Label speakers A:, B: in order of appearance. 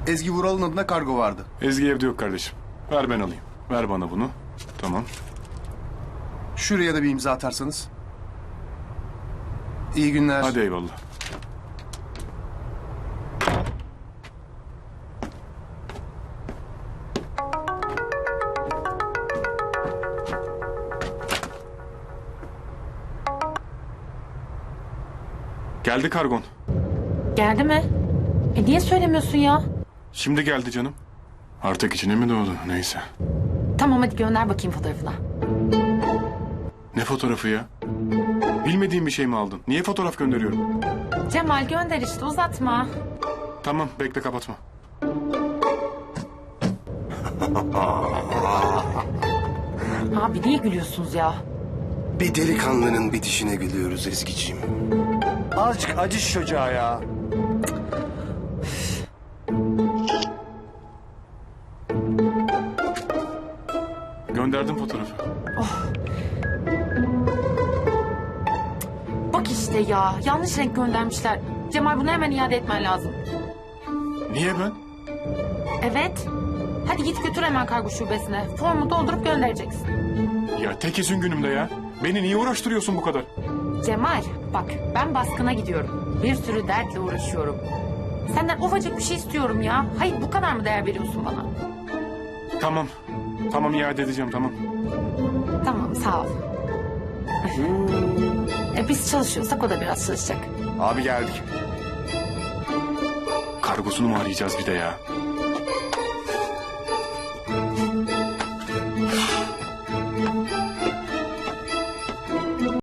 A: Ezgi Vural'ın adına kargo vardı.
B: Ezgi evde yok kardeşim. Ver ben alayım. Ver bana bunu. Tamam.
A: Şuraya da bir imza atarsanız. İyi günler.
B: Hadi eyvallah. Geldi kargon.
C: Geldi mi? Niye söylemiyorsun ya?
B: Şimdi geldi canım. Artık içine mi doğdu? Neyse.
C: Tamam hadi gönder bakayım fotoğrafına.
B: Ne fotoğrafı ya? Bilmediğin bir şey mi aldın? Niye fotoğraf gönderiyorum?
C: Cemal gönder işte uzatma.
B: Tamam bekle kapatma.
C: Abi niye gülüyorsunuz ya?
D: Bir delikanlının bitişine gülüyoruz Ezgi'ciğim.
A: Azıcık acı şu çocuğa ya.
B: Gönderdim fotoğrafı.
C: Bak işte ya yanlış renk göndermişler. Cemal bunu hemen iade etmen lazım.
B: Niye ben?
C: Evet. Hadi git götür hemen kargo şubesine. Formu doldurup göndereceksin.
B: Ya tek izin günümde ya. Beni niye uğraştırıyorsun bu kadar?
C: Cemal bak ben baskına gidiyorum. Bir sürü dertle uğraşıyorum. Senden ufacık bir şey istiyorum ya. Hayır bu kadar mı değer veriyorsun bana?
B: Tamam. Tamam iade edeceğim tamam.
C: Tamam sağ ol. Biz çalışıyorsak o da biraz çalışacak.
A: Abi geldik.
B: Kargosunu mu arayacağız bir de ya?